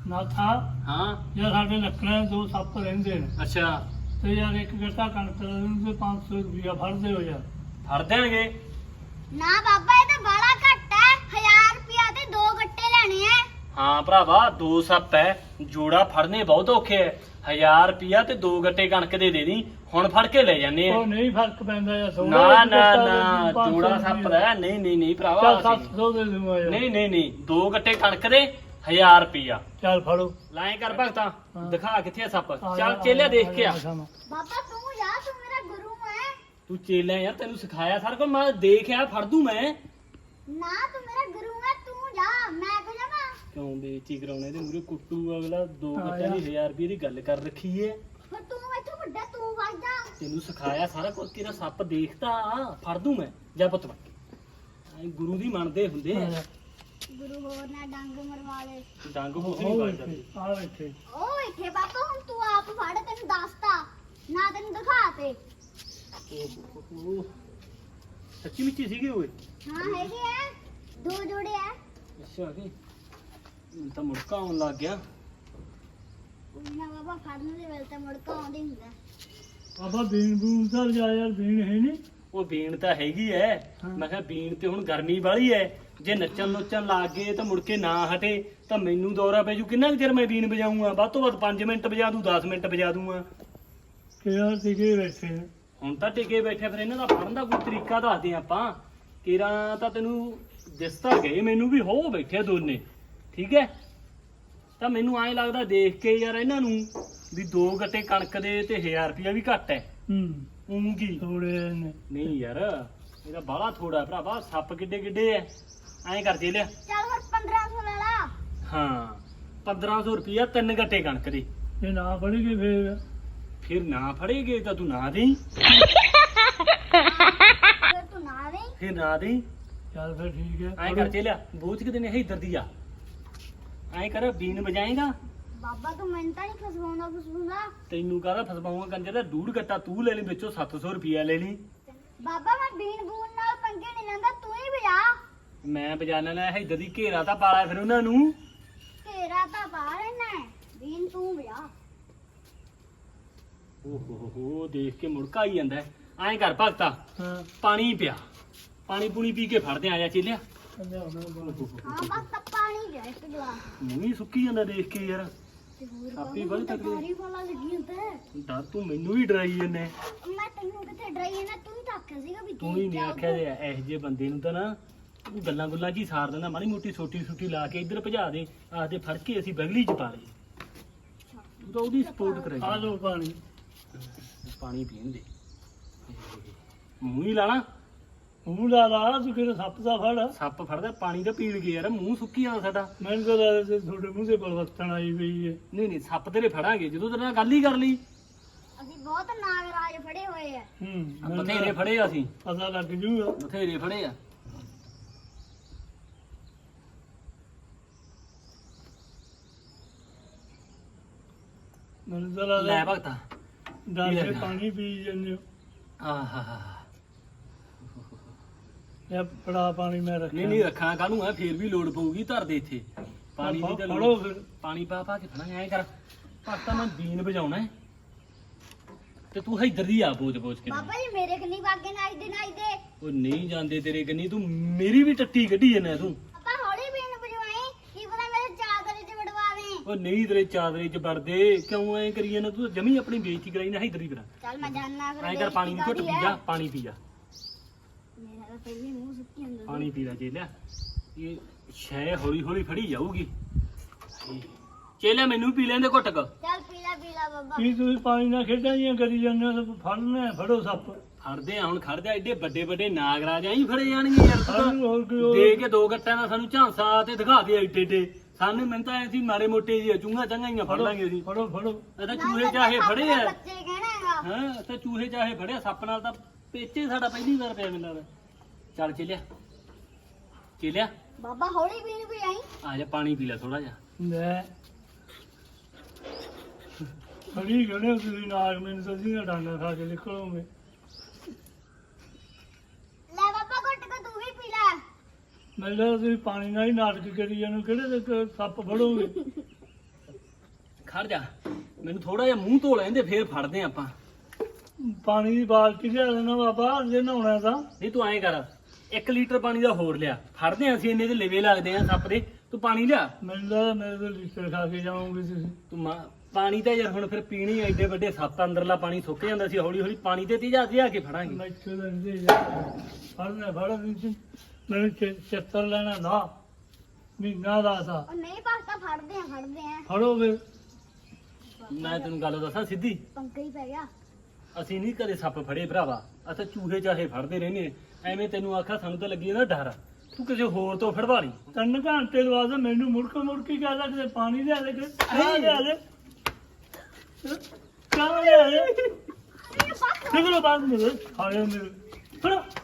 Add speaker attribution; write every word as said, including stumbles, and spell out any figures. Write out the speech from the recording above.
Speaker 1: ਨਾ ਥਾ
Speaker 2: ਹਾਂ
Speaker 1: ਯਾਰ ਸਾਡੇ ਲੱਕੜਾਂ ਦੋ ਸੱਪ ਰਹਿੰਦੇ ਨੇ
Speaker 2: ਅੱਛਾ
Speaker 1: ਤੇ ਯਾਰ ਇੱਕ ਗੱਟਾ ਕਣਕ ਦਾ ਉਹਨੂੰ ਪੰਜ ਸੌ ਰੁਪਇਆ ਫੜਦੇ ਹੋ ਯਾਰ।
Speaker 2: ਫੜ ਦੇਣਗੇ।
Speaker 3: ਨਾ ਬਾਬਾ ਇਹ ਤਾਂ ਬਾਲਾ ਘੱਟ ਹੈ। ਹਜ਼ਾਰ ਰੁਪਿਆ ਤੇ ਦੋ ਗੱਟੇ ਲੈਣੇ ਆ।
Speaker 2: ਹਾਂ ਭਰਾਵਾ ਦੋ ਸੱਪ ਹੈ ਜੋੜਾ ਫੜਨੇ ਬਹੁਤ ਔਖੇ ਹੈ। ਹਜ਼ਾਰ ਰੁਪਿਆ ਤੇ ਦੋ ਗੱਟੇ ਕਣਕ ਦੇ ਦੇ ਦੀ ਹੁਣ ਫੜ ਕੇ ਲੈ ਜਾਂਦੇ ਆ।
Speaker 1: ਉਹ ਨਹੀਂ ਫਰਕ ਪੈਂਦਾ ਯਾਰ ਸੋਨਾ
Speaker 2: ਨਾ ਨਾ ਨਾ ਜੋੜਾ ਸੱਪ ਦਾ ਨਹੀਂ ਨਹੀਂ ਨਹੀਂ ਭਰਾਵਾ
Speaker 1: ਚੱਲ
Speaker 2: ਅਸੀਂ-
Speaker 1: ਸੱਤ ਸੌ ਦੇ ਦੂੰਗਾ ਯਾਰ।
Speaker 2: ਨਹੀਂ ਨਹੀਂ ਨਹੀਂ ਦੋ ਗੱਟੇ ਕਣਕ ਦੇ ਹਜ਼ਾਰ ਰੁਪਿਆ
Speaker 1: ਚੱਲ ਫੜੋ।
Speaker 2: ਲਾਏ ਕਰ ਭਗਤਾ
Speaker 1: ਹਾਂ।
Speaker 2: ਦਿਖਾ ਕਿੱਥੇ ਆ ਸੱਪ
Speaker 1: ਆ
Speaker 2: ਚੱਲ
Speaker 1: ਜਾ,
Speaker 2: ਚੇਲਿਆ
Speaker 1: ਆ
Speaker 2: ਦੇਖ
Speaker 1: ਜਾ,
Speaker 2: ਕੇ ਆ।
Speaker 1: ਆ ਜਾ।
Speaker 3: ਬਾਬਾ ਤੂੰ ਜਾ ਤੂੰ ਮੇਰਾ ਗੁਰੂ ਹੈ।
Speaker 2: ਤੂੰ ਚੇਲਿਆ ਯਾਰ ਤੈਨੂੰ ਸਿਖਾਇਆ ਸਾਰਾ ਕੁਝ ਮੈਂ ਦੇਖਿਆ ਫੜ ਦੂੰ ਮੈਂ।
Speaker 3: ਨਾ ਤੂੰ ਮੇਰਾ ਗੁਰੂ ਹੈ ਤੂੰ ਜਾ ਮੈਂ ਕਿਉਂ ਜਾਵਾਂ।
Speaker 2: ਕਿਉਂ ਬੇਇੱਜ਼ਤੀ ਕਰਾਉਣੇ ਤੇ ਮੂਰੇ ਕੁੱਟੂ ਅਗਲਾ ਦੋ
Speaker 1: ਹਾਂ
Speaker 2: ਗੱਟਿਆਂ ਦੀ
Speaker 1: ਯਾਰ।
Speaker 2: ਹਜ਼ਾਰ ਰੁਪਏ ਦੀ ਗੱਲ ਕਰ ਰੱਖੀ ਏ।
Speaker 3: ਫਿਰ ਤੂੰ ਇੱਥੋਂ ਵੱਡਾ ਤੂੰ ਵਗ ਜਾ।
Speaker 2: ਤੈਨੂੰ ਸਿਖਾਇਆ ਸਾਰਾ ਕੁਝ ਤੇਰਾ ਸੱਪ ਦੇਖਦਾ ਫੜ ਦੂੰ ਮੈਂ ਜਾ ਪੁੱਤ ਐ ਗੁਰੂ ਦੀ ਮੰਨਦੇ ਹੁੰਦੇ
Speaker 1: ਆ
Speaker 2: ਆ।
Speaker 1: ਜਾ।
Speaker 3: ਗੁਰੂ ਹੋਰ ਨਾ ਡੰਗ ਮਰਵਾ ਲੈ।
Speaker 2: ਡੰਗ ਬੁੱਝ ਨਹੀਂ
Speaker 1: ਉਹ
Speaker 2: ਵੱਜਦਾ।
Speaker 1: ਇੱਥੇ, ਆ ਇੱਥੇ।
Speaker 3: ਉਹ ਇੱਥੇ ਬਾਬਾ ਹੁਣ ਤੂੰ ਆਪ ਫੜ ਤੈਨੂੰ ਦੱਸਤਾ ਨਾ ਤੈਨੂੰ ਦਿਖਾ ਤੇ।
Speaker 2: ਓਹ ਸੱਚੀ ਮਿੱਚੀ ਸੀਗੇ ਓਏ।
Speaker 3: ਹਾਂ ਹੈਗੇ ਆ ਦੋ ਜੋੜੇ ਆ।
Speaker 2: ਅੱਛਾ ਕੀ ਹੁਣ ਤਾਂ ਮੁੜਕਾ ਆਉਣ ਲੱਗ ਗਿਆ।
Speaker 3: ਉਹਨਾਂ ਬਾਬਾ ਫੜਨ ਦੇ ਵੇਲੇ ਤਾਂ ਮੁੜਕਾ ਆਉਂਦੇ ਹੁੰਦਾ।
Speaker 1: ਬਾਬਾ ਬੀਨ ਬੂਨ ਸਰ ਜਾ ਯਾਰ ਬੀਨ ਹੈ ਨਹੀਂ।
Speaker 2: ਉਹ ਬੀਨ ਤਾਂ ਹੈਗੀ ਐ
Speaker 1: ਹਾਂ।
Speaker 2: ਮੈਂ ਕਿਹਾ ਬੀਨ ਤੇ ਹੁਣ ਗਰਮੀ ਵਾਲੀ ਐ ਜੇ ਨੱਚਣ ਨੁੱਚਣ ਲੱਗ ਗਏ ਤਾਂ ਮੁੜ ਕੇ ਨਾ ਹਟੇ ਤਾਂ ਮੈਨੂੰ ਦੌਰਾ ਪੈ ਜੂ। ਕਿੰਨਾ ਕੁ ਚਿਰ ਮੈਂ ਬੀਨ ਵਜਾਊਂਗਾ ਵੱਧ ਤੋਂ ਵੱਧ ਪੰਜ ਮਿੰਟ ਵਜਾ ਦੂੰ ਦਸ ਮਿੰਟ ਵਜਾ ਦੂੰਗਾ।
Speaker 1: ਕਿਹੜਾ ਟਿਕੇ ਬੈਠੇ ਨੇ।
Speaker 2: ਹੁਣ ਤਾਂ ਟਿਕੇ ਬੈਠੇ ਫਿਰ ਇਹਨਾਂ ਦਾ ਫੜਨ ਦਾ ਕੋਈ ਤਰੀਕਾ ਦੱਸਦੇ ਆਪਾਂ। ਕਿਰਾਂ ਤਾਂ ਤੈਨੂੰ ਦਿਸਦਾ ਗਏ ਮੈਨੂੰ ਵੀ ਹੋ ਬੈਠੇ ਦੋਨੇ ਠੀਕ ਹੈ। ਤਾਂ ਮੈਨੂੰ ਐਂ ਲੱਗਦਾ ਦੇਖ ਕੇ ਯਾਰ ਇਹਨਾਂ ਨੂੰ ਵੀ ਦੋ ਗੱਟੇ ਕਣਕ ਦੇ ਤੇ ਹਜ਼ਾਰ ਰੁਪਇਆ ਵੀ ਘੱਟ ਹੈ।
Speaker 1: ਹੂੰ
Speaker 2: ਉਂ ਕੀ
Speaker 1: ਥੋੜੇ ਨੇ।
Speaker 2: ਨਹੀਂ ਯਾਰ ਇਹਦਾ ਬਾਹਲਾ ਥੋੜਾ ਭਰਾਵਾ ਸੱਪ ਕਿੱਡੇ ਕਿੱਡੇ ਐ। ਐਂ ਕਰ ਜੇ ਲਿਆ
Speaker 3: ਚੱਲ ਫਿਰ ਪੰਦਰਾਂ ਸੌ ਲੈ ਲਾ।
Speaker 2: ਹਾਂ ਪੰਦਰਾਂ ਸੌ ਰੁਪਇਆ ਤਿੰਨ ਗੱਟੇ ਕਣਕ ਦੇ।
Speaker 1: ਜੇ ਨਾ ਫੜੀਏ ਫੇਰ
Speaker 2: ਫਿਰ ਨਾ ਫੜੇਗੇ ਤਾਂ ਤੂੰ ਨਾ ਦੇਈ।
Speaker 3: ਫਿਰ ਤੂੰ ਨਾ ਦੇ।
Speaker 2: ਫਿਰ ਨਾ ਦੇਈ।
Speaker 1: ਚੱਲ ਫਿਰ ਠੀਕ ਹੈ।
Speaker 2: ਐਂ ਕਰ ਜੇ ਲਿਆ ਬੂਝ ਕਿਤੇ ਨੇ ਇੱਧਰ ਦੀ ਆ। ਐਂ ਕਰ ਬੀਨ ਵਜਾਏਗਾ
Speaker 3: ਬਾਬਾ ਤੂੰ ਮੈਨੂੰ ਤਾਂ ਨਹੀਂ ਫਸਵਾਉਂਦਾ ਫਸਵਾਉਂਦਾ।
Speaker 2: ਤੈਨੂੰ ਕਾਹਦਾ ਫਸਵਾਉਂਗਾ ਕੰਜਰ ਦਾ ਡੂੜ ਗੱਟਾ ਤੂੰ ਲੈ ਲਈ ਵਿੱਚੋਂ ਸੱਤ ਸੌ ਰੁਪਇਆ ਲੈ ਲਈ।
Speaker 3: ਬਾਬਾ ਮੈਂ ਬੀਨ ਬੂਨ ਨਾਲ ਪੰਗੇ ਨਹੀਂ ਲੈਂਦਾ ਤੂੰ ਹੀ ਵਜਾ।
Speaker 2: ਮੈਂ ਵਜਾਣਾ ਲੈ ਇੱਧਰ ਦੀ ਘੇਰਾ ਤਾਂ ਪਾਲਾ ਫਿਰ ਉਹਨਾਂ ਨੂੰ।
Speaker 3: ਤੇਰਾ ਤਾਂ ਬਾਹਰ ਰਹਿਣਾ ਹੈ ਬੀਨ ਤੂੰ ਵਜਾ।
Speaker 2: ਓਹ ਹੋ ਹੋ ਦੇਖ ਕੇ ਮੁੜਕਾ ਆਈ ਜਾਂਦਾ ਹੈ। ਐਂ ਕਰ ਭਗਤਾ
Speaker 1: ਹਾਂ
Speaker 2: ਪਾਣੀ ਪਿਆ ਪਾਣੀ ਪੂਣੀ ਪੀ ਕੇ ਫੜਦੇ ਆ ਜਾ ਚੇਲਿਆ।
Speaker 3: ਹਾਂ ਬਸ ਤਾਂ ਪਾਣੀ ਦੇ ਇੱਕ ਗਲਾਸ।
Speaker 2: ਮੂੰਹ ਹੀ ਸੁੱਕੀ ਜਾਂਦਾ ਦੇਖ ਕੇ ਯਾਰ।
Speaker 3: ਤੇ ਹੋਰ
Speaker 2: ਆਪੀ
Speaker 3: ਬਾਬਾ
Speaker 2: ਬੜੀ
Speaker 3: ਤਾਂ
Speaker 2: ਤਕੜੀ।
Speaker 3: ਭਾਰੀ ਵਾਲਾ ਲੱਗੀ ਹੁੰਦਾ।
Speaker 2: ਡਰ ਤੂੰ ਮੈਨੂੰ ਵੀ ਡਰਾਈ ਜੰਨੇ।
Speaker 3: ਮੈਂ ਤੈਨੂੰ ਕਿੱਥੇ ਡਰਾਈ ਹੈ ਨਾ ਤੂੰ ਹੀ ਤਾਂ ਆਖਿਆ ਸੀਗਾ ਵੀ
Speaker 2: ਤੂੰ ਹੀ ਨਹੀਂ ਆਖਿਆ ਜੇ ਇਹੋ ਜਿਹੇ ਬੰਦੇ ਨੂੰ ਤਾਂ ਨਾ ਤੂੰ ਗੱਲਾਂ ਗੁੱਲਾਂ ਜੀ ਸਾਰ ਦਿੰਦਾ ਮਾੜੀ ਮੋਟੀ ਛੋਟੀ ਛੋਟੀ ਲਾ ਕੇ ਇੱਧਰ ਭਜਾ ਦੇ ਆਖਦੇ ਫੜ ਕੇ ਅਸੀਂ ਬਗਲੀ ਚ ਪਾ ਲਏ। ਤੂੰ ਤਾਂ ਉਹਦੀ ਸਪੋਰਟ
Speaker 1: ਆ
Speaker 2: ਕਰਾਈ
Speaker 1: ਲੋ ਪਾਣੀ।
Speaker 2: ਪਾਣੀ ਪੀਣ ਦੇ ਮੂੰਹ ਹੀ ਲਾਣਾ।
Speaker 1: ਮੂੰਹ ਲਾ ਲਾ ਤੂੰ ਕਿਹੜਾ ਸੱਪ ਦਾ ਫੜ।
Speaker 2: ਸੱਪ ਫੜਦਾ ਪਾਣੀ ਤਾਂ ਪੀਣ ਗਿਆ ਯਾਰ ਮੂੰਹ ਸੁੱਕੀ ਜਾਂਦਾ ਸਾਡਾ।
Speaker 1: ਮੈਨੂੰ ਤਾਂ ਲੱਗਦਾ ਤੁਹਾਡੇ ਮੂੰਹ ਤੇ ਪਰਵਰਤਨ ਆਈ ਪਈ ਹੈ।
Speaker 2: ਨਹੀਂ ਨਹੀਂ ਸੱਪ ਤੇਰੇ ਫੜਾਂਗੇ ਜਦੋਂ ਤੇਰੇ ਨਾਲ ਗੱਲ ਹੀ ਕਰ ਲਈ।
Speaker 3: ਅਸੀਂ ਬਹੁਤ ਨਾਗਰਾਜ ਫੜੇ ਹੋਏ ਆ।
Speaker 1: ਹੂੰ
Speaker 2: ਆ
Speaker 1: ਮੈਨੂੰ
Speaker 2: ਬਥੇਰੇ ਫੜੇ ਆ ਅਸੀਂ
Speaker 1: ਪਤਾ ਲੱਗ ਜੂਗਾ।
Speaker 2: ਬਥੇਰੇ ਫੜੇ ਆ।
Speaker 1: ਮੈਨੂੰ ਤਾਂ
Speaker 2: ਲੈ
Speaker 1: ਲੱਗਦਾ
Speaker 2: ਭਗਤਾ
Speaker 1: ਡਰ
Speaker 2: ਲੈ
Speaker 1: ਕੇ
Speaker 2: ਲੈ।
Speaker 1: ਪਾਣੀ ਪੀ ਜਾਂਦੇ ਹੋ।
Speaker 2: ਆਹਾ
Speaker 1: ਇਹ ਬੜਾ ਪਾਣੀ ਮੈਂ ਰੱਖਿਆ।
Speaker 2: ਨਹੀਂ ਨਹੀਂ ਰੱਖਣਾ ਕਾਹਨੂੰ ਆ ਫੇਰ ਵੀ ਲੋੜ ਪਊਗੀ ਧਰ ਦੇ ਇੱਥੇ ਪਾਣੀ ਦੀ ਤਾਂ
Speaker 1: ਫੜੋ
Speaker 2: ਲੋੜ।
Speaker 1: ਫਿਰ।
Speaker 2: ਪਾਣੀ ਪਾ ਪਾ ਕੇ ਫੜਾਂਗੇ ਐਂ ਕਰ ਭਗਤਾ ਮੈਂ ਬੀਨ ਵਜਾਉਣਾ ਹੈ ਤੇ ਤੂੰ ਇੱਧਰ ਦੀ ਆ ਬੋਝ ਬੋਝ ਕੇ।
Speaker 3: ਬਾਬਾ ਜੀ ਮੇਰੇ ਕੰਨੀ ਵਾਗੇ ਨਾਈ ਦੇ ਨਾਈ ਦੇ।
Speaker 2: ਉਹ ਨਹੀਂ ਜਾਂਦੇ ਤੇਰੇ ਕੰਨੀ ਤੂੰ ਮੇਰੀ ਵੀ ਟੱਟੀ ਕੱਢੀ ਜਾਂਦਾ ਤੂੰ।
Speaker 3: ਆਪਾਂ ਹੌਲੀ ਬੀਨ ਵਜਵਾਈ ਕੀ ਪਤਾ ਮੇਰੇ ਚਾਦਰ ਚ ਵੜਵਾਵੇਂ।
Speaker 2: ਉਹ ਨਹੀਂ ਤੇਰੇ ਚਾਦਰੇ ਚ ਵੜਦੇ ਕਿਉਂ ਐ ਕਰੀ ਜਾਂਦਾ ਤੂੰ ਜਮੀ ਆਪਣੀ ਬੇਇੱਜ਼ਤੀ ਕਰਾਈ ਨਾ ਇੱਧਰ ਹੀ ਕਰਾ।
Speaker 3: ਚੱਲ ਮੈਂ ਜਾਣਾ ਫਿਰ
Speaker 2: ਐਂ ਕਰ ਪਾਣੀ ਦੀ ਘੁੱਟ ਪੀ ਜਾ ਪਾਣੀ ਪੀ ਜਾ
Speaker 3: ਮੇਰਾ ਤਾਂ ਪਹਿਲੇ ਮੂੰਹ ਸੁੱਕੀ ਹੁੰਦਾ
Speaker 2: ਪਾਣੀ ਪੀ ਲੈ ਚੇਲਿਆ ਇਹ ਸ਼ੈ ਹੌਲੀ ਹੌਲੀ ਫੜੀ ਜਾਊਗੀ। ਚੇਲਿਆ ਮੈਨੂੰ ਵੀ ਪੀ ਲੈਂਦੇ ਘੁੱਟਕ।
Speaker 3: ਚੱਲ ਪੀਲਾ ਪੀਲਾ ਬਾਬਾ।
Speaker 1: ਕੀ ਤੁਸੀਂ ਪਾਣੀ ਨਾਲ ਖੇਡਾਂ ਜੀਆਂ ਕਰੀ ਜਾਂਦੇ ਹੋ ਤਾਂ ਫੜਨਾ ਹੈ, ਫੜੋ ਸੱਪ।
Speaker 2: ਫੜਦੇ ਆ ਹੁਣ ਖੜ ਜਾ ਐਡੇ ਵੱਡੇ ਵੱਡੇ ਨਾਗਰਾਜ ਐਂ ਫੜੇ ਜਾਣਗੇ ਯਾਰ ਤੂੰ
Speaker 1: ਫੜਨ ਹੋਰ ਕੋਈ
Speaker 2: ਤਾਂ।
Speaker 1: ਹੋਰ-
Speaker 2: ਦੇ ਕੇ ਦੋ ਗੱਟਾਂ ਦਾ ਸਾਨੂੰ ਝਾਂਸਾ ਤੇ ਦਿਖਾ ਦੇ ਐਡੇ ਏਡੇ ਸਾਨੂੰ ਮੈਨੂੰ ਤਾਂ ਐ ਸੀ ਮਾੜੇ ਮੋਟੇ ਜੀ ਚੂੰਗਾ ਚੰਗਾਈਆਂ ਫੜ ਲਾਂਗੇ ਅਸੀਂ।
Speaker 1: ਫੜੋ ਫੜੋ।
Speaker 2: ਇਹ ਤਾਂ ਚੂਹੇ ਚਾਹੇ ਫੜੇ ਆ।
Speaker 3: ਬੱਚੇ ਕਹਿਣਾ ਹੈਗਾ।
Speaker 2: ਹਾਂ ਇਹ ਤਾਂ ਚੂਹੇ ਚਾਹੇ ਫੜਿਆ ਸੱਪ ਨਾਲ ਤਾਂ ਪੇਚੇ ਸਾਡਾ ਪਹਿਲੀ ਵਾਰ ਪਿਆ ਮੈਨੂੰ ਲੱਗਦਾ। ਚੱਲ ਚੇਲਿਆ ਚੇਲਿਆ
Speaker 3: ਬਾਬਾ ਹੌਲੀ ਬੀਨ ਵੀ ਆਈ।
Speaker 2: ਆ ਜਾ ਪਾਣੀ ਪੀ ਲੈ ਥੋੜਾ ਜਿਹਾ।
Speaker 1: ਲੈ ਫੜੀ ਗਏ ਹੋ ਤੁਸੀਂ ਨਾਗ ਮੈਨੂੰ ਤਾਂ ਸੀਗਾ ਡਾਂਗਾ ਖਾ ਕੇ ਨਿਕਲੋਗੇ।
Speaker 3: ਲੈ ਬਾਬਾ ਘੁੱਟ ਕੇ ਤੂੰ ਵੀ ਪੀ ਲੈ।
Speaker 1: ਮੈਨੂੰ ਲੱਗਦਾ ਤੁਸੀਂ ਪਾਣੀ ਨਾਲ ਹੀ ਨਾਟਕ ਕਰੀ ਜਾਂਦੇ ਹੋ, ਕਿਹੜੇ ਦੇ ਕ- ਸੱਪ ਫੜੋਗੇ।
Speaker 2: ਖੜ ਜਾ ਮੈਨੂੰ ਥੋੜਾ ਜਿਹਾ ਮੂੰਹ ਧੋ ਲੈਂਦੇ ਫੇਰ ਫੜਦੇ ਆਂ ਆਪਾਂ।
Speaker 1: ਪਾਣੀ ਦੀ ਬਾਲਟੀ ਲਿਆ ਦੇਣਾ ਬਾਬਾ ਜੇ ਨਹਾਉਣਾ ਤਾਂ।
Speaker 2: ਨਹੀਂ ਤੂੰ ਐਂ ਕਰ ਇੱਕ ਲੀਟਰ ਪਾਣੀ ਦਾ ਹੋਰ ਲਿਆ, ਫੜਦੇ ਆਂ ਅਸੀਂ ਇੰਨੇ ਦੇ ਲੇਵੇ ਲੱਗਦੇ ਆਂ ਸੱਪ ਦੇ। ਤੂੰ ਪਾਣੀ ਲਿਆ।
Speaker 1: ਮੈਨੂੰ ਤਾਂ ਮੇਰੇ ਤੋਂ ਲੀਟਰ ਖਾ ਕੇ ਜਾਓਗੇ ਤੁਸੀਂ।
Speaker 2: ਤੂੰ ਮਾ- ਪਾਣੀ ਤਾਂ ਯਾਰ ਹੁਣ ਫਿਰ ਪੀਣੀ ਐਡੇ ਵੱਡੇ ਸੱਪ ਅੰਦਰਲਾ ਪਾਣੀ ਸੁੱਕ ਜਾਂਦਾ ਸੀ, ਹੌਲੀ ਹੌਲੀ ਪਾਣੀ ਤੇ ਤੇਜਾ ਲਿਆ ਕੇ ਫੜਾਂਗੇ।
Speaker 1: ਮੈਥੋਂ ਤਾਂ ਨਹੀਂ ਯਾਰ ਫੜਨਾ ਫੜ ਤੁਸੀਂ ਮੈਨੂੰ ਚ- ਚੱਤਰ ਲੈਣਾ ਨਾ ਮਹੀਨਾ ਦਾ ਸਾ
Speaker 3: ਉਹ ਨਹੀਂ ਪਾਸਤਾ ਫੜਦੇ ਆ ਫੜਦੇ ਆ
Speaker 1: ਫੜੋ ਫਿਰ।
Speaker 2: ਮੈਂ ਤੈਨੂੰ ਗੱਲ ਦੱਸਾਂ ਸਿੱਧੀ,
Speaker 3: ਪੰਗਾ ਹੀ ਪੈ ਗਿਆ।
Speaker 2: ਅਸੀਂ ਨਹੀਂ ਕਦੇ ਸੱਪ ਫੜੇ ਭਰਾਵਾ, ਅਸੀਂ ਚੂਹੇ ਚਾਹੇ ਫੜਦੇ ਰਹਿੰਦੇ ਆਂ। ਐਵੇਂ ਤੈਨੂੰ ਆਖਾ ਸਾਨੂੰ ਤਾਂ ਲੱਗੀ ਜਾਂਦਾ ਡਰ, ਤੂੰ ਕਿਸੇ ਹੋਰ ਤੋਂ ਫੜਵਾ ਲਈ।
Speaker 1: ਤਿੰਨ ਘੰਟੇ ਬਾਅਦ ਮੈਨੂੰ ਮੁੜਕ ਮੁੜਕ ਹੀ ਕਹਦਾ ਕਿ ਪਾਣੀ ਲਿਆ ਦੇ ਕਿ ਚਾਹ ਲਿਆ ਦੇ ਚਾਹ ਲਿਆ ਦੇ
Speaker 3: ਅਰੇ ਬਸ
Speaker 1: ਨਿਕਲੋ ਬਾਹਰ ਮੇਰੇ ਖਾਣੇ ਮੇਰੇ ਫੜੋ